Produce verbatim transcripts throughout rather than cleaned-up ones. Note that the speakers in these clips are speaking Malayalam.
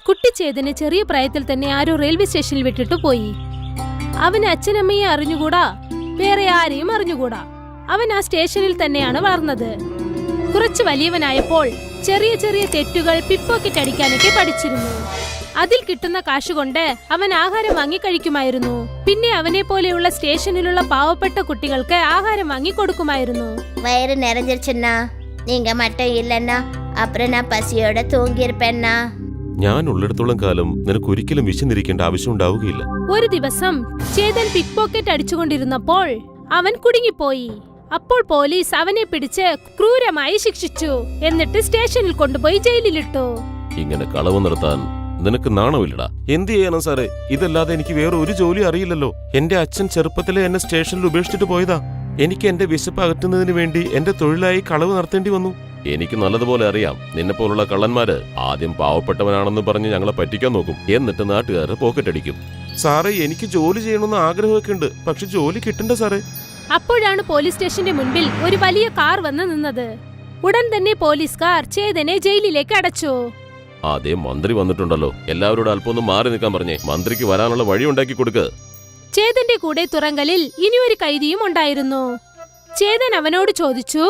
കുട്ടിച്ചേതനെ ചെറിയ പ്രായത്തിൽ തന്നെ ആരോ റെയിൽവേ സ്റ്റേഷനിൽ വിട്ടിട്ടു പോയി. അവന് അച്ഛനമ്മയെ അറിഞ്ഞുകൂടാ, വേറെ ആരെയും അറിഞ്ഞുകൂടാ. അവൻ ആ സ്റ്റേഷനിൽ തന്നെയാണ് വളർന്നത്. കുറച്ച് വലിയവനായപ്പോൾ ചെറിയ ചെറിയ തെറ്റുകൾ പിപ്പോക്കറ്റ് അടിക്കാനൊക്കെ പഠിച്ചിരുന്നു. അതിൽ കിട്ടുന്ന കാശുകൊണ്ട് അവൻ ആഹാരം വാങ്ങി കഴിക്കുമായിരുന്നു. പിന്നെ അവനെ പോലെയുള്ള സ്റ്റേഷനിലുള്ള പാവപ്പെട്ട കുട്ടികൾക്ക് ആഹാരം വാങ്ങി കൊടുക്കുമായിരുന്നു. വയറ് നിറഞ്ഞിരുച്ചെന്നാ, നീങ്ക മട്ടം ഇല്ലെന്നാ, അപ്പുറം ഞാൻ പസിയോടെ തൂങ്ങിയിരിപ്പെന്നാ. ഞാൻ ഉള്ളിടത്തോളം കാലം നിനക്ക് ഒരിക്കലും വിശന്നിരിക്കേണ്ട ആവശ്യം ഉണ്ടാവുകയില്ല. ഒരു ദിവസം ചേതൻ പിക് പോക്കറ്റ് അടിച്ചുകൊണ്ടിരുന്നപ്പോൾ അവൻ കുടുങ്ങിപ്പോയി. അപ്പോൾ പോലീസ് അവനെ പിടിച്ച് ക്രൂരമായി ശിക്ഷിച്ചു. എന്നിട്ട് സ്റ്റേഷനിൽ കൊണ്ടുപോയി ജയിലിലിട്ടു. ഇങ്ങനെ കളവ് നിർത്താൻ നിനക്ക് നാണമില്ലടാ. എന്ത് ചെയ്യണം സാറേ? ഇതല്ലാതെ എനിക്ക് വേറെ ഒരു ജോലി അറിയില്ലല്ലോ. എന്റെ അച്ഛൻ ചെറുപ്പത്തിലെ എന്നെ സ്റ്റേഷനിൽ ഉപേക്ഷിച്ചിട്ട് പോയതാ. എനിക്ക് എന്റെ വിശപ്പ് അകറ്റുന്നതിന് വേണ്ടി എന്റെ തൊഴിലായി കളവ് നടത്തേണ്ടി വന്നു. എനിക്ക് നല്ലതുപോലെ അറിയാം, നിന്നെ പോലുള്ള കള്ളന്മാര് ആദ്യം പാവപ്പെട്ടവനാണെന്ന് പറഞ്ഞ് ഞങ്ങളെ പറ്റിക്കാൻ നോക്കും, എന്നിട്ട് നാട്ടുകാരെ പോക്കറ്റ് അടിക്കും. സാറേ, എനിക്ക് ജോലി ചെയ്യണമെന്ന് ആഗ്രഹമൊക്കെ ഉണ്ട്, പക്ഷെ ജോലി കിട്ടണ്ട സാറേ. അപ്പോഴാണ് പോലീസ് സ്റ്റേഷന്റെ മുൻപിൽ ഒരു വലിയ കാർ വന്ന് നിന്നത്. ഉടൻ തന്നെ പോലീസുകാർ ചേതനെ ജയിലിലേക്ക് അടച്ചു. അതേ മന്ത്രി വന്നിട്ടുണ്ടല്ലോ, എല്ലാവരോടും അല്പം ഒന്ന് മാറി നിൽക്കാൻ പറഞ്ഞേ. മന്ത്രിക്ക് വരാനുള്ള വഴി ഉണ്ടാക്കി കൊടുക്ക്. ചേതന്റെ കൂടെ തുറങ്കലിൽ ഇനിയൊരു കൈദിയും ഉണ്ടായിരുന്നു. ചേതൻ അവനോട് ചോദിച്ചു,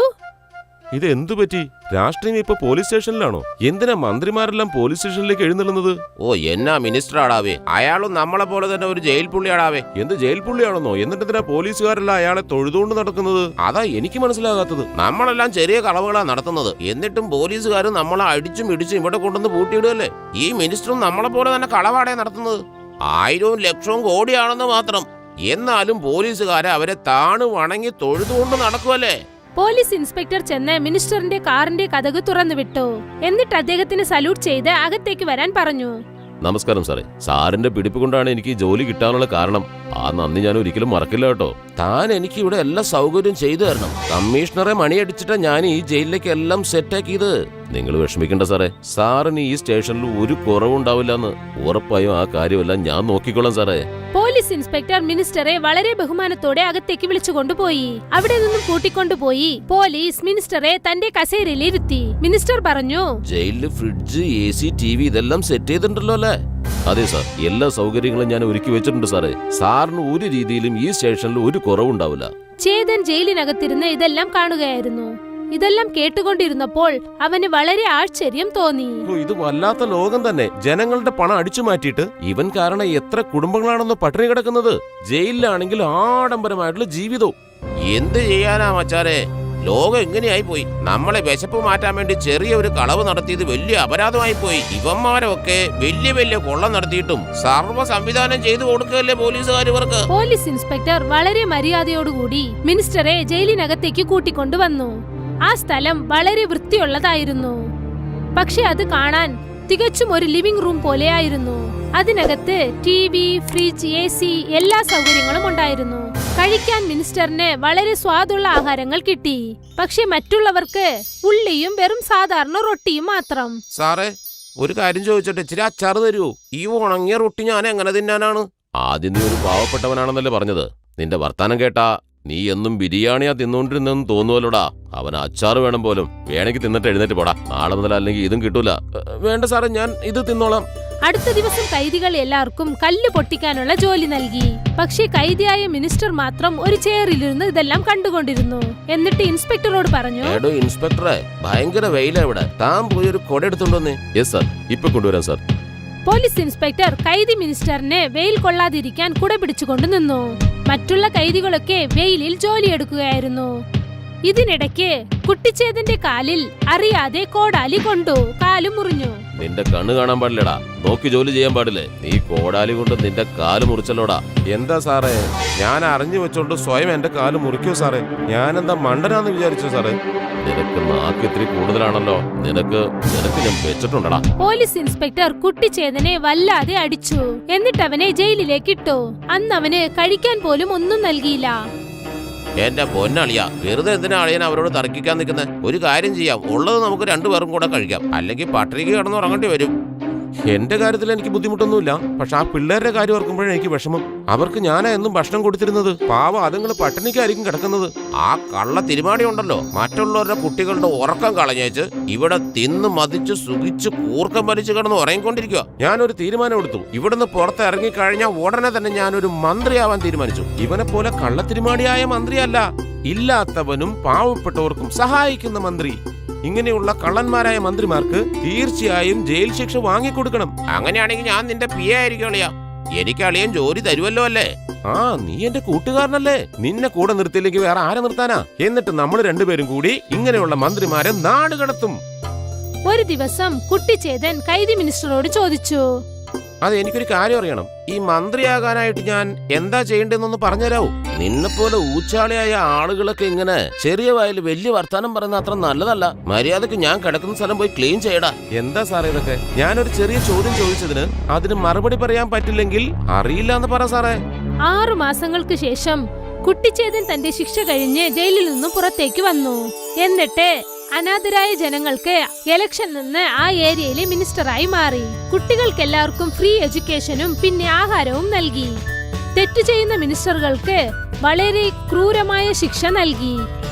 ഇത് എന്തു പറ്റി? രാഷ്ട്രീയം ഇപ്പൊ പോലീസ് സ്റ്റേഷനിലാണോ? എന്തിനാ മന്ത്രിമാരെല്ലാം പോലീസ് സ്റ്റേഷനിലേക്ക് എഴുന്നള്ളുന്നത്? ഓ, എന്നാ മിനിസ്റ്റർ ആടാവേ, അയാളും നമ്മളെ പോലെ തന്നെ ഒരു ജയിൽ പുള്ളിയാടാവേ. എന്ത് ജയിൽ പുള്ളിയാണെന്നോ? എന്നിട്ട് എന്തിനാ പോലീസുകാരെല്ലാം അയാളെ തൊഴുതുകൊണ്ട് നടക്കുന്നത്? അതാ എനിക്ക് മനസ്സിലാകാത്തത്. നമ്മളെല്ലാം ചെറിയ കളവുകളാ നടത്തുന്നത്, എന്നിട്ടും പോലീസുകാർ നമ്മളെ അടിച്ചും ഇടിച്ചും ഇവിടെ കൊണ്ടുവന്ന് പൂട്ടിയിടുകയല്ലേ. ഈ മിനിസ്റ്ററും നമ്മളെ പോലെ തന്നെ കളവാടേ നടത്തുന്നത്. ആയിരവും ലക്ഷവും കോടിയാണെന്ന് മാത്രം, എന്നാലും പോലീസുകാരെ അവരെ താണു വണങ്ങി തൊഴുതുകൊണ്ട് നടക്കുമല്ലേ. പോലീസ് ഇൻസ്പെക്ടർ ചെന്ന് മിനിസ്റ്ററിന്റെ കാറിന്റെ കതക് തുറന്നു വിട്ടു. എന്നിട്ട് അദ്ദേഹത്തിന് സല്യൂട്ട് ചെയ്ത് അകത്തേക്ക് വരാൻ പറഞ്ഞു. നമസ്കാരം സാറേ. സാറിന്റെ പിടിപ്പ് കൊണ്ടാണ് എനിക്ക് ജോലി കിട്ടാനുള്ള കാരണം. ആ നന്ദി ഞാൻ ഒരിക്കലും മറക്കില്ല കേട്ടോ. താൻ എനിക്ക് ഇവിടെ എല്ലാ സൗകര്യം ചെയ്തു തരണം. കമ്മീഷണറെ മണിയടിച്ചിട്ടാ ഞാൻ ഈ ജയിലിലേക്ക് എല്ലാം സെറ്റാക്കിയത്. നിങ്ങൾ വിഷമിക്കണ്ട സാറേ. സാറിന് ഈ സ്റ്റേഷനിൽ ഒരു കുറവുണ്ടാവില്ലെന്ന് ഉറപ്പായും ആ കാര്യമെല്ലാം ഞാൻ നോക്കിക്കോളാം സാറേ. പോലീസ് ഇൻസ്പെക്ടർ മിനിസ്റ്ററെ വളരെ ബഹുമാനത്തോടെ അകത്തേക്ക് വിളിച്ചുകൊണ്ടുപോയി. അവിടെ നിന്നും കൂട്ടിക്കൊണ്ടുപോയി പോലീസ് മിനിസ്റ്ററെ തന്റെ കസേരയിൽ ഇരുത്തി. മിനിസ്റ്റർ പറഞ്ഞു, ജയിലില് fridge, A C, T V ഇതെല്ലാം സെറ്റ് ചെയ്തിട്ടുണ്ടല്ലോ അല്ലേ? അതെ സാർ, എല്ലാ സൗകര്യങ്ങളും ഞാൻ ഒരുക്കി വെച്ചിട്ടുണ്ട് സാറേ. സാറിന് ഒരു രീതിയിലും ഈ സ്റ്റേഷനിൽ ഒരു കുറവുണ്ടാവില്ല. ചേതൻ ജയിലിനകത്തിരുന്ന് ഇതെല്ലാം കാണുകയായിരുന്നു. ഇതെല്ലാം കേട്ടുകൊണ്ടിരുന്നപ്പോൾ അവന് വളരെ ആശ്ചര്യം തോന്നി. ഇത് വല്ലാത്ത ലോകം തന്നെ. ജനങ്ങളുടെ പണം അടിച്ചു മാറ്റിയിട്ട് ഇവൻ കാരണം എത്ര കുടുംബങ്ങളാണെന്ന് പട്ടിണി കിടക്കുന്നത്. ജയിലിലാണെങ്കിൽ ആഡംബരമായിട്ടുള്ള ജീവിതവും. എന്ത് ചെയ്യാനാ മച്ചാരെ, ലോകം എങ്ങനെയായി പോയി. നമ്മളെ വിശപ്പ് മാറ്റാൻ വേണ്ടി ചെറിയ ഒരു കളവ് നടത്തിയത് വലിയ അപരാധമായി പോയി. ഇവന്മാരൊക്കെ വലിയ വലിയ കൊള്ളം നടത്തിയിട്ടും സർവ്വ സംവിധാനം ചെയ്തു കൊടുക്കുകയല്ലേ പോലീസുകാർ ഇവർക്ക്. പോലീസ് ഇൻസ്പെക്ടർ വളരെ മര്യാദയോടുകൂടി മിനിസ്റ്ററെ ജയിലിനകത്തേക്ക് കൂട്ടിക്കൊണ്ടുവന്നു. ആ സ്ഥലം വളരെ വൃത്തിയുള്ളതായിരുന്നു. പക്ഷെ അത് കാണാൻ തികച്ചും ഒരു ലിവിംഗ് റൂം പോലെയായിരുന്നു. അതിനകത്ത് T V, fridge, A C എല്ലാ സൗകര്യങ്ങളും ഉണ്ടായിരുന്നു. കഴിക്കാൻ മിനിസ്റ്ററിന് വളരെ സ്വാദുള്ള ആഹാരങ്ങൾ കിട്ടി. പക്ഷെ മറ്റുള്ളവർക്ക് ഉള്ളിയും വെറും സാധാരണ റൊട്ടിയും മാത്രം. സാറേ, ഒരു കാര്യം ചോദിച്ചോട്ടെ, ഇച്ചിരി അച്ചാറ് തരുമോ? ഈ ഉണങ്ങിയ റൊട്ടി ഞാൻ എങ്ങനെ തിന്നാനാണ്? ആദ്യം നീ ഒരു പാവപ്പെട്ടവനാണെന്നല്ലേ പറഞ്ഞത്. നിന്റെ വർത്താനം കേട്ടാ നീ എന്നും ബിരിയാണിയാ തിന്നോണ്ടിരുന്നെന്ന് തോന്നുവല്ലോടാ. അവൻ അച്ചാറ് വേണം പോലും. വേണമെങ്കിൽ തിന്നിട്ട് എഴുന്നേറ്റ് പോടാ. നാളെ മുതൽ അല്ലെങ്കിൽ ഇതും കിട്ടൂല. വേണ്ട സാറേ, ഞാൻ ഇത് തിന്നോളാം. അടുത്ത ദിവസം കൈദികൾ എല്ലാവർക്കും കല്ല് പൊട്ടിക്കാനുള്ള ജോലി നൽകി. പക്ഷേ കൈദിയായ മിനിസ്റ്റർ മാത്രം ഒരു ചെയറിലിരുന്ന് ഇതെല്ലാം കണ്ടുകൊണ്ടിരുന്നു. എന്നിട്ട് ഇൻസ്പെക്ടറോട് പറഞ്ഞു, എടോ ഇൻസ്പെക്ടറെ, ഭയങ്കര വെയിലാ ഇവിടെ. താൻ പോയി ഒരു കൊട എടുത്തോണ്ടോന്നേ. യെസ് സാർ, ഇപ്പൊ കൊണ്ടുവരാം സാർ. പോലീസ് ഇൻസ്പെക്ടർ കൈദി മിനിസ്റ്ററിനെ വെയിൽ കൊള്ളാതിരിക്കാൻ കുട പിടിച്ചുകൊണ്ട് നിന്നു. മറ്റുള്ള കൈദികളൊക്കെ വെയിലിൽ ജോലിയെടുക്കുകയായിരുന്നു. ഇതിനിടയ്ക്ക് കുട്ടിച്ചേതന്റെ കാലിൽ അറിയാതെ കോടാലി കൊണ്ടു. കാല് മുറിഞ്ഞു. നിന്റെ കണ്ണ് കാണാൻ പാടില്ലടാ. നോക്കി ജോലി ചെയ്യാൻ പാടില്ലേ? നീ കോടാലി കൊണ്ട് നിന്റെ കാല് മുറിച്ചല്ലോടാ. എന്താ സാറേ, ഞാൻ അറിഞ്ഞു വെച്ചോണ്ട് സ്വയം എന്റെ കാല് മുറിക്കോ സാറേ? ഞാനെന്താ മണ്ടനാന്ന് വിചാരിച്ചോ സാറേ? നിനക്ക് നാക്ക് ഇത്തിരി കൂടുതലാണല്ലോ. നിനക്ക് നിനക്ക് ഞാൻ വെച്ചിട്ടുണ്ടടാ. പോലീസ് ഇൻസ്പെക്ടർ കുട്ടിച്ചേതനെ വല്ലാതെ അടിച്ചു. എന്നിട്ട് അവനെ ജയിലിലേക്ക് ഇട്ടു. അന്ന് അവന് കഴിക്കാൻ പോലും ഒന്നും നൽകിയില്ല. എന്റെ പൊന്നളിയാ, വെറുതെ എന്തിനാ അളിയൻ അവരോട് തർക്കിക്കാൻ നിൽക്കുന്നത്? ഒരു കാര്യം ചെയ്യാം, ഉള്ളത് നമുക്ക് രണ്ടുപേർക്കും കൂടെ കഴിക്കാം. അല്ലെങ്കിൽ പട്ടിണിക്ക് കിടന്നുറങ്ങേണ്ടി വരും. എന്റെ കാര്യത്തിൽ എനിക്ക് ബുദ്ധിമുട്ടൊന്നുമില്ല, പക്ഷെ ആ പിള്ളേരുടെ കാര്യം ഓർക്കുമ്പോഴേ എനിക്ക് വിഷമം. അവർക്ക് ഞാനാ എന്നും ഭക്ഷണം കൊടുത്തിരുന്നത്. പാവം അതുങ്ങൾ പട്ടിണിക്കായിരിക്കും കിടക്കുന്നത്. ആ കള്ള തിരുമാടി ഉണ്ടല്ലോ, മറ്റുള്ളവരുടെ കുട്ടികളുടെ ഉറക്കം കളഞ്ഞേച്ച് ഇവിടെ തിന്ന് മതിച്ച് സുഖിച്ച് കൂർക്കം വലിച്ചു കിടന്ന് ഉറങ്ങിക്കൊണ്ടിരിക്കുക. ഞാനൊരു തീരുമാനം എടുത്തു. ഇവിടുന്ന് പുറത്ത് ഇറങ്ങിക്കഴിഞ്ഞാൽ ഉടനെ തന്നെ ഞാനൊരു മന്ത്രിയാവാൻ തീരുമാനിച്ചു. ഇവനെ പോലെ കള്ളത്തിരുമാടിയായ മന്ത്രിയല്ല, ഇല്ലാത്തവനും പാവപ്പെട്ടവർക്കും സഹായിക്കുന്ന മന്ത്രി. ഇങ്ങനെയുള്ള കള്ളന്മാരായ മന്ത്രിമാർക്ക് തീർച്ചയായും ജയിൽ ശിക്ഷ വാങ്ങിക്കൊടുക്കണം. അങ്ങനെയാണെങ്കിൽ ഞാൻ നിന്റെ പി എ ആയിരിക്കും അളിയാ. എനിക്ക് അളിയൻ ജോലി തരുമല്ലോ അല്ലേ? ആ, നീ എന്റെ കൂട്ടുകാരനല്ലേ. നിന്നെ കൂടെ നിർത്തിയില്ലെങ്കിൽ വേറെ ആരെ നിർത്താനാ? എന്നിട്ട് നമ്മൾ രണ്ടുപേരും കൂടി ഇങ്ങനെയുള്ള മന്ത്രിമാരെ നാട് കടത്തും. ഒരു ദിവസം കുട്ടിച്ചേതൻ കൈദി മിനിസ്റ്ററോട് ചോദിച്ചു, അത് എനിക്കൊരു കാര്യം അറിയണം. ഈ മന്ത്രിയാകാനായിട്ട് ഞാൻ എന്താ ചെയ്യേണ്ടതെന്നൊന്ന് പറഞ്ഞുതരാവൂ? നിന്നെപ്പോലെ ഊച്ചാളിയായ ആളുകളൊക്കെ ഇങ്ങനെ ചെറിയ വായിൽ വലിയ വർത്താനം പറയുന്ന അത്ര നല്ലതല്ല. മര്യാദക്ക് ഞാൻ കിടക്കുന്ന സ്ഥലം പോയി ക്ലീൻ ചെയ്യടാ. എന്താ സാറേ ഇതൊക്കെ? ഞാനൊരു ചെറിയ ചോദ്യം ചോദിച്ചതിന് അതിന് മറുപടി പറയാൻ പറ്റില്ലെങ്കിൽ അറിയില്ല എന്ന് പറ സാറേ. ആറു മാസങ്ങൾക്ക് ശേഷം കുട്ടിച്ചേതൻ തന്റെ ശിക്ഷ കഴിഞ്ഞ് ജയിലിൽ നിന്നും പുറത്തേക്ക് വന്നു. എന്നിട്ട് അനാഥരായ ജനങ്ങൾക്ക് ഇലക്ഷൻ നിന്ന് ആ ഏരിയയിലെ മിനിസ്റ്ററായി മാറി. കുട്ടികൾക്കെല്ലാവർക്കും ഫ്രീ എഡ്യൂക്കേഷനും പിന്നെ ആഹാരവും നൽകി. തെറ്റു ചെയ്യുന്ന മിനിസ്റ്ററുകൾക്ക് വളരെ ക്രൂരമായ ശിക്ഷ നൽകി.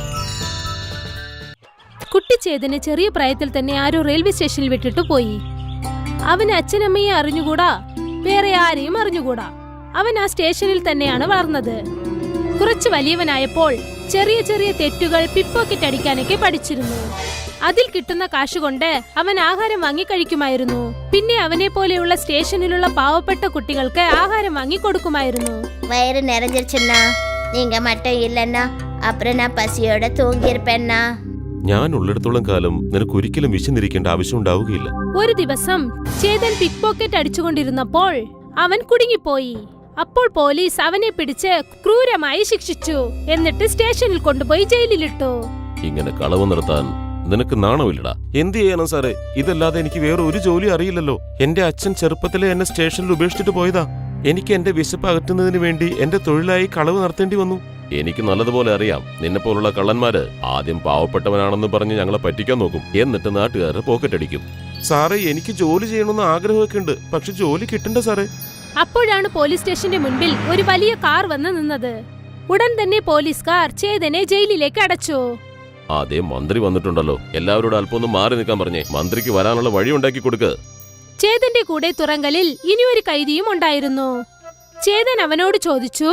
കുട്ടിച്ചേതന് ചെറിയ പ്രായത്തിൽ തന്നെ ആരോ റെയിൽവേ സ്റ്റേഷനിൽ വിട്ടിട്ട് പോയി. അവന് അച്ഛനമ്മയെ അറിഞ്ഞുകൂടാ, വേറെ ആരെയും അറിഞ്ഞുകൂടാ. അവൻ ആ സ്റ്റേഷനിൽ തന്നെയാണ് വളർന്നത്. കുറച്ച് വലിയവനായപ്പോൾ ചെറിയ ചെറിയ തെറ്റുകൾ പിപ്പോക്കറ്റ് അടിക്കാനൊക്കെ പഠിച്ചിരുന്നു. അതിൽ കിട്ടുന്ന കാശുകൊണ്ട് അവൻ ആഹാരം വാങ്ങി കഴിക്കുമായിരുന്നു. പിന്നെ അവനെ പോലെയുള്ള സ്റ്റേഷനിലുള്ള പാവപ്പെട്ട കുട്ടികൾക്ക് ആഹാരം വാങ്ങി കൊടുക്കുമായിരുന്നു. വയറ് നിറഞ്ഞിരുച്ചെന്നാ, നീങ്ക മട്ടം ഇല്ലെന്നാ, അപ്പുറം ഞാൻ പസിയോടെ തൂങ്ങിയിരുപ്പെന്നാ. ഞാൻ ഉള്ളിടത്തോളം കാലം നിനക്ക് ഒരിക്കലും വിശന്നിരിക്കേണ്ട ആവശ്യം ഉണ്ടാവുകയില്ല. ഒരു ദിവസം ചേതൻ പിക് പോക്കറ്റ് അടിച്ചുകൊണ്ടിരുന്നപ്പോൾ അവൻ കുടുങ്ങിപ്പോയി. അപ്പോൾ പോലീസ് അവനെ പിടിച്ച് ക്രൂരമായി ശിക്ഷിച്ചു. എന്നിട്ട് സ്റ്റേഷനിൽ കൊണ്ടുപോയി ജയിലിലിട്ടു. ഇങ്ങനെ കളവ് നിർത്താൻ നിനക്ക് നാണമില്ലടാ. എന്ത് ചെയ്യാനാ സാറേ? ഇതല്ലാതെ എനിക്ക് വേറെ ഒരു ജോലി അറിയില്ലല്ലോ. എന്റെ അച്ഛൻ ചെറുപ്പത്തിലെ എന്നെ സ്റ്റേഷനിൽ ഉപേക്ഷിച്ചിട്ട് പോയതാ. എനിക്ക് എന്റെ വിശപ്പ് അകറ്റുന്നതിന് വേണ്ടി എന്റെ തൊഴിലായി കളവ് നടത്തേണ്ടി വന്നു. എനിക്ക് നല്ലതുപോലെ അറിയാം, നിന്നെ പോലുള്ള കള്ളന്മാര് ആദ്യം പാവപ്പെട്ടവനാണെന്ന് പറഞ്ഞ് ഞങ്ങളെ പറ്റിക്കാൻ നോക്കും. എന്നിട്ട് നാട്ടുകാരെ പോക്കറ്റ് അടിക്കും. സാറേ, എനിക്ക് ജോലി ചെയ്യണമെന്ന് ആഗ്രഹമൊക്കെ ഉണ്ട്, പക്ഷെ ജോലി കിട്ടണ്ട സാറേ. അപ്പോഴാണ് പോലീസ് സ്റ്റേഷന്റെ മുൻപിൽ ഒരു വലിയ കാർ വന്ന് നിന്നത്. ഉടൻ തന്നെ പോലീസുകാർ ചേതനെ ജയിലിലേക്ക് അടച്ചു. അതേ മന്ത്രി വന്നിട്ടുണ്ടല്ലോ, എല്ലാവരോടും അല്പം ഒന്ന് മാറി നിൽക്കാൻ പറഞ്ഞേ. മന്ത്രിക്ക് വരാനുള്ള വഴി ഉണ്ടാക്കി കൊടുക്ക്. ചേതന്റെ കൂടെ തുറങ്കലിൽ ഇനിയൊരു കൈദിയും ഉണ്ടായിരുന്നു. ചേതൻ അവനോട് ചോദിച്ചു,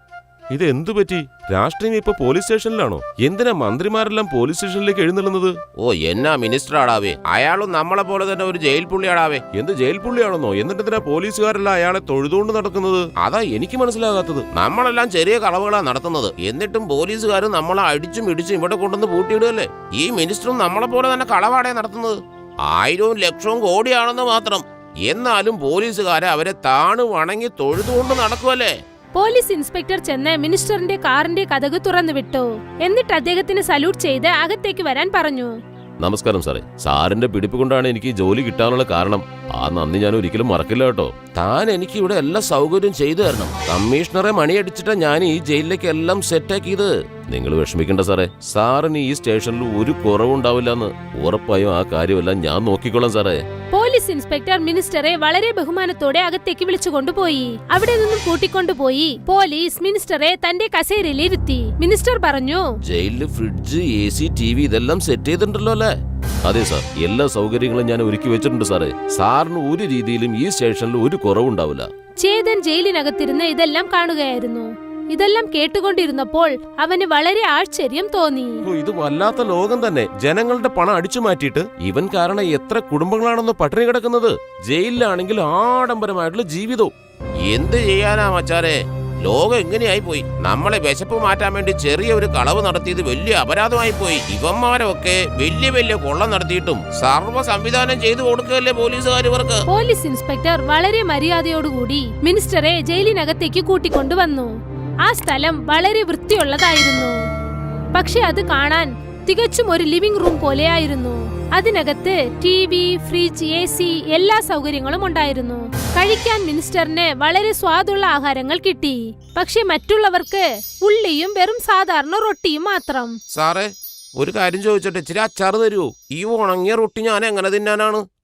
ഇത് എന്തു പറ്റി? രാഷ്ട്രീയം ഇപ്പൊ പോലീസ് സ്റ്റേഷനിലാണോ? എന്തിനാ മന്ത്രിമാരെല്ലാം പോലീസ് സ്റ്റേഷനിലേക്ക് എഴുന്നള്ളുന്നത്? ഓ, എന്നാ മിനിസ്റ്റർ ആടാവേ, അയാളും നമ്മളെ പോലെ തന്നെ ഒരു ജയിൽ പുള്ളിയാടാവേ. എന്ത് ജയിൽ പുള്ളിയാണെന്നോ? എന്നിട്ടെന്തിനാ പോലീസുകാരെല്ലാം അയാളെ തൊഴുതുകൊണ്ട് നടക്കുന്നത്? അതാ എനിക്ക് മനസ്സിലാകാത്തത്. നമ്മളെല്ലാം ചെറിയ കളവുകളാ നടത്തുന്നത്, എന്നിട്ടും പോലീസുകാർ നമ്മളെ അടിച്ചും ഇടിച്ചും ഇവിടെ കൊണ്ടുവന്ന് പൂട്ടിയിടുകയല്ലേ. ഈ മിനിസ്റ്ററും നമ്മളെ പോലെ തന്നെ കളവാടേ നടത്തുന്നത്. ആയിരവും ലക്ഷവും കോടിയാണെന്ന് മാത്രം. എന്നാലും പോലീസുകാരെ അവരെ താണു വണങ്ങി തൊഴുതുകൊണ്ട് നടക്കുമല്ലേ. പോലീസ് ഇൻസ്പെക്ടർ ചെന്ന് മിനിസ്റ്ററിന്റെ കാറിന്റെ കതക് തുറന്നു വിട്ടു. എന്നിട്ട് അദ്ദേഹത്തിന് സല്യൂട്ട് ചെയ്ത് അകത്തേക്ക് വരാൻ പറഞ്ഞു. നമസ്കാരം സാറേ. സാറിന്റെ പിടിപ്പ് കൊണ്ടാണ് എനിക്ക് ജോലി കിട്ടാനുള്ള കാരണം. ആ നന്ദി ഞാൻ ഒരിക്കലും മറക്കില്ല കേട്ടോ. താൻ എനിക്ക് ഇവിടെ എല്ലാ സൗകര്യം ചെയ്തു തരണം. കമ്മീഷണറെ മണിയടിച്ചിട്ടാ ഞാൻ ഈ ജയിലിലേക്ക് എല്ലാം സെറ്റാക്കിയത്. നിങ്ങൾ വിഷമിക്കണ്ട സാറേ. സാറിന് ഈ സ്റ്റേഷനിൽ ഒരു കുറവുണ്ടാവില്ലെന്ന് ഉറപ്പായും ആ കാര്യമെല്ലാം ഞാൻ നോക്കിക്കോളാം സാറേ. പോലീസ് ഇൻസ്പെക്ടർ മിനിസ്റ്ററെ വളരെ ബഹുമാനത്തോടെ അകത്തേക്ക് വിളിച്ചുകൊണ്ടുപോയി. അവിടെ നിന്നും കൂട്ടിക്കൊണ്ടുപോയി പോലീസ് മിനിസ്റ്ററെ തന്റെ കസേരയിൽ ഇരുത്തി. മിനിസ്റ്റർ പറഞ്ഞു, ജയിലില് fridge, A C, T V ഇതെല്ലാം സെറ്റ് ചെയ്തിട്ടുണ്ടല്ലോ അല്ലേ? അതെ സാർ, എല്ലാ സൗകര്യങ്ങളും ഞാൻ ഒരുക്കി വെച്ചിട്ടുണ്ട് സാറേ. സാറിന് ഒരു രീതിയിലും ഈ സ്റ്റേഷനിൽ ഒരു കുറവുണ്ടാവില്ല. ചേതൻ ജയിലിനകത്തിരുന്ന് ഇതെല്ലാം കാണുകയായിരുന്നു. ഇതെല്ലാം കേട്ടുകൊണ്ടിരുന്നപ്പോൾ അവന് വളരെ ആശ്ചര്യം തോന്നി. ഇത് വല്ലാത്ത ലോകം തന്നെ. ജനങ്ങളുടെ പണം അടിച്ചു മാറ്റിയിട്ട് ഇവൻ കാരണം എത്ര കുടുംബങ്ങളാണെന്ന് പട്ടിണി കിടക്കുന്നത്. ജയിലിലാണെങ്കിൽ ആഡംബരമായിട്ടുള്ള ജീവിതവും. എന്ത് ചെയ്യാനാ മച്ചാരെ, ലോകം എങ്ങനെയായി പോയി. നമ്മളെ വിശപ്പ് മാറ്റാൻ വേണ്ടി ചെറിയ ഒരു കളവ് നടത്തിയത് വലിയ അപരാധമായി പോയി. ഇവന്മാരൊക്കെ വലിയ വലിയ കൊള്ള നടത്തിയിട്ടും സർവ്വ സംവിധാനം ചെയ്തു കൊടുക്കുകയല്ലേ പോലീസുകാർ ഇവർക്ക്. പോലീസ് ഇൻസ്പെക്ടർ വളരെ മര്യാദയോടുകൂടി മിനിസ്റ്ററെ ജയിലിനകത്തേക്ക് കൂട്ടിക്കൊണ്ടുവന്നു. ആ സ്ഥലം വളരെ വൃത്തിയുള്ളതായിരുന്നു. പക്ഷെ അത് കാണാൻ തികച്ചും ഒരു ലിവിംഗ് റൂം പോലെയായിരുന്നു. അതിനകത്ത് T V, fridge, A C എല്ലാ സൗകര്യങ്ങളും ഉണ്ടായിരുന്നു. കഴിക്കാൻ മിനിസ്റ്ററിന് വളരെ സ്വാദുള്ള ആഹാരങ്ങൾ കിട്ടി. പക്ഷെ മറ്റുള്ളവർക്ക് ഉള്ളിയും വെറും സാധാരണ റൊട്ടിയും മാത്രം. സാറേ, ഒരു കാര്യം ചോദിച്ചിട്ട് ഇച്ചിരി അച്ചാറ് തരുമോ? ഈ ഉണങ്ങിയ റൊട്ടി ഞാൻ എങ്ങനെ തിന്നാനാണ്?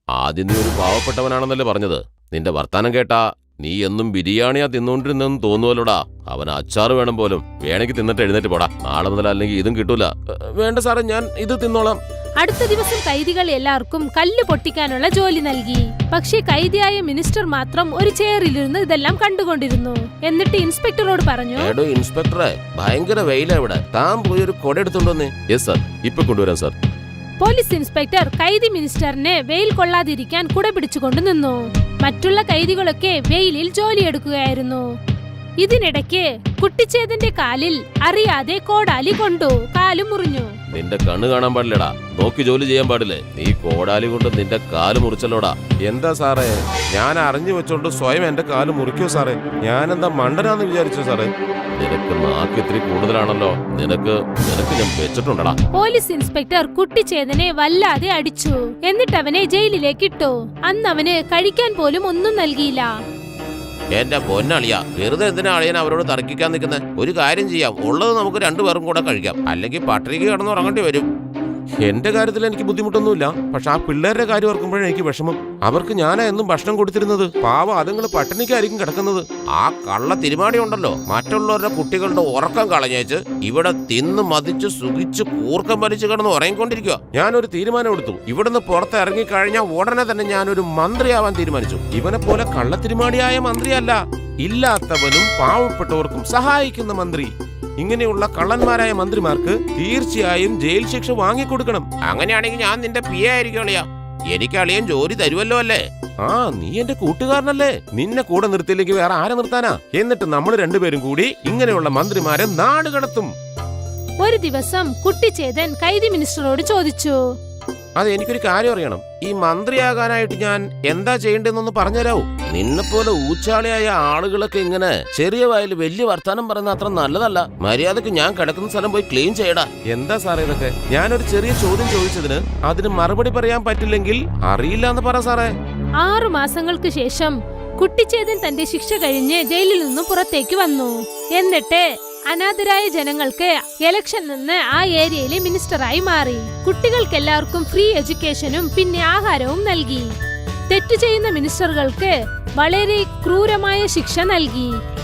ആദ്യം നീ ഒരു പാവപ്പെട്ടവനാണെന്നല്ലേ പറഞ്ഞത്? നിന്റെ വർത്താനം കേട്ടാ നീ എന്നും ബിരിയാണിയാ തിന്നുകൊണ്ടിരുന്നെന്ന് തോന്നുവല്ലോടാ. അവൻ അച്ചാറ് വേണം പോലും. വേണമെങ്കിൽ തിന്നിട്ട് എഴുന്നേറ്റ് പോടാ. നാളെ മുതൽ അല്ലെങ്കിൽ ഇതും കിട്ടൂല. വേണ്ട സാറേ, ഞാൻ ഇത് തിന്നോളാം. അടുത്ത ദിവസം കൈദികൾ എല്ലാവർക്കും കല്ല് പൊട്ടിക്കാനുള്ള ജോലി നൽകി. പക്ഷേ കൈദിയായ മിനിസ്റ്റർ മാത്രം ഒരു ചെയറിലിരുന്ന് ഇതെല്ലാം കണ്ടുകൊണ്ടിരുന്നു. എന്നിട്ട് ഇൻസ്പെക്ടറോട് പറഞ്ഞു, എടോ ഇൻസ്പെക്ടറെ, ഭയങ്കര വെയിലാ ഇവിടെ. താൻ പോയി ഒരു കൊട എടുത്തോണ്ടോന്ന്. യെസ് സാർ, ഇപ്പൊ കൊണ്ടുവരാം സാർ. പോലീസ് ഇൻസ്പെക്ടർ കൈദി മിനിസ്റ്ററിനെ വെയിൽ കൊള്ളാതിരിക്കാൻ കുട പിടിച്ചുകൊണ്ട് നിന്നു. മറ്റുള്ള കൈദികളൊക്കെ വെയിലിൽ ജോലിയെടുക്കുകയായിരുന്നു. ഇതിനിടയ്ക്ക് കുട്ടിച്ചേതന്റെ കാലിൽ അറിയാതെ കോടാലി കൊണ്ടു. കാല് മുറിഞ്ഞു. നിന്റെ കണ്ണ് കാണാൻ പാടില്ലടാ. നോക്കി ജോലി ചെയ്യാൻ പാടില്ലേ? നീ കോടാലി കൊണ്ട് നിന്റെ കാല് മുറിച്ചല്ലോടാ. എന്താ സാറേ, ഞാൻ അറിഞ്ഞു വെച്ചോണ്ട് സ്വയം എന്റെ കാല് മുറിക്കോ സാറേ? ഞാനെന്താ മണ്ടനാന്ന് വിചാരിച്ചോ സാറേ? നിനക്ക് നാക്ക് ഇത്തിരി കൂടുതലാണല്ലോ. നിനക്ക് നിനക്ക് ഞാൻ വെച്ചിട്ടുണ്ടടാ. പോലീസ് ഇൻസ്പെക്ടർ കുട്ടിച്ചേതനെ വല്ലാതെ അടിച്ചു. എന്നിട്ട് അവനെ ജയിലിലേക്ക് ഇട്ടു. അന്ന് അവന് കഴിക്കാൻ പോലും ഒന്നും നൽകിയില്ല. എന്റെ പൊന്നളിയാ, വെറുതെ എന്തിനാ അളിയൻ അവരോട് തർക്കിക്കാൻ നിൽക്കുന്നത്? ഒരു കാര്യം ചെയ്യാം, ഉള്ളത് നമുക്ക് രണ്ടുപേർക്കും കൂടെ കഴിക്കാം. അല്ലെങ്കിൽ പട്ടിണിക്ക് കിടന്ന് ഉറങ്ങേണ്ടി വരും. എന്റെ കാര്യത്തിൽ എനിക്ക് ബുദ്ധിമുട്ടൊന്നുമില്ല. പക്ഷെ ആ പിള്ളേരുടെ കാര്യം ഓർക്കുമ്പോഴേ എനിക്ക് വിഷമം. അവർക്ക് ഞാനാ എന്നും ഭക്ഷണം കൊടുത്തിരുന്നത്. പാവം, അതുങ്ങൾ പട്ടിണിക്കായിരിക്കും കിടക്കുന്നത്. ആ കള്ള തിരുമാടി ഉണ്ടല്ലോ, മറ്റുള്ളവരുടെ കുട്ടികളുടെ ഉറക്കം കളഞ്ഞേച്ച് ഇവിടെ തിന്ന് മതിച്ച് സുഖിച്ച് കൂർക്കം വലിച്ചു കിടന്ന് ഉറങ്ങിക്കൊണ്ടിരിക്കുക. ഞാനൊരു തീരുമാനം എടുത്തു. ഇവിടുന്ന് പുറത്ത് ഇറങ്ങിക്കഴിഞ്ഞാൽ ഉടനെ തന്നെ ഞാനൊരു മന്ത്രിയാവാൻ തീരുമാനിച്ചു. ഇവനെ പോലെ കള്ളത്തിരുമാടിയായ മന്ത്രിയല്ല, ഇല്ലാത്തവനും പാവപ്പെട്ടവർക്കും സഹായിക്കുന്ന മന്ത്രി. ഇങ്ങനെയുള്ള കള്ളന്മാരായ മന്ത്രിമാർക്ക് തീർച്ചയായും ജയിൽ ശിക്ഷ വാങ്ങിക്കൊടുക്കണം. അങ്ങനെയാണെങ്കിൽ ഞാൻ നിന്റെ പി എ ആയിരിക്കും അളിയാ. എനിക്ക് അളിയൻ ജോലി തരുമല്ലോ അല്ലേ? ആ, നീ എന്റെ കൂട്ടുകാരനല്ലേ? നിന്നെ കൂടെ നിർത്തിയില്ലെങ്കിൽ വേറെ ആരെ നിർത്താനാ? എന്നിട്ട് നമ്മൾ രണ്ടുപേരും കൂടി ഇങ്ങനെയുള്ള മന്ത്രിമാരെ നാട് കടത്തും. ഒരു ദിവസം കുട്ടിച്ചേതൻ കൈദി മിനിസ്റ്ററോട് ചോദിച്ചു, അത് എനിക്കൊരു കാര്യം അറിയണം. ഈ മന്ത്രിയാകാനായിട്ട് ഞാൻ എന്താ ചെയ്യേണ്ടതെന്നൊന്ന് പറഞ്ഞുതരാവോ? നിന്നെപ്പോലെ ഊച്ചാളിയായ ആളുകളൊക്കെ ഇങ്ങനെ ചെറിയ വായിൽ വലിയ വർത്താനം പറയുന്ന അത്ര നല്ലതല്ല. മര്യാദക്ക് ഞാൻ കിടക്കുന്ന സ്ഥലം പോയി ക്ലീൻ ചെയ്യടാ. എന്താ സാറേ ഇതൊക്കെ? ഞാനൊരു ചെറിയ ചോദ്യം ചോദിച്ചതിന് അതിന് മറുപടി പറയാൻ പറ്റില്ലെങ്കിൽ അറിയില്ല എന്ന് പറ സാറേ. ആറു മാസങ്ങൾക്ക് ശേഷം കുട്ടിച്ചേതൻ തന്റെ ശിക്ഷ കഴിഞ്ഞ് ജയിലിൽ നിന്നും പുറത്തേക്ക് വന്നു. എന്നിട്ട് അനാഥരായ ജനങ്ങൾക്ക് ഇലക്ഷൻ നിന്ന് ആ ഏരിയയിലെ മിനിസ്റ്ററായി മാറി. കുട്ടികൾക്കെല്ലാവർക്കും ഫ്രീ എഡ്യൂക്കേഷനും പിന്നെ ആഹാരവും നൽകി. തെറ്റു ചെയ്യുന്ന മിനിസ്റ്ററുകൾക്ക് വളരെ ക്രൂരമായ ശിക്ഷ നൽകി.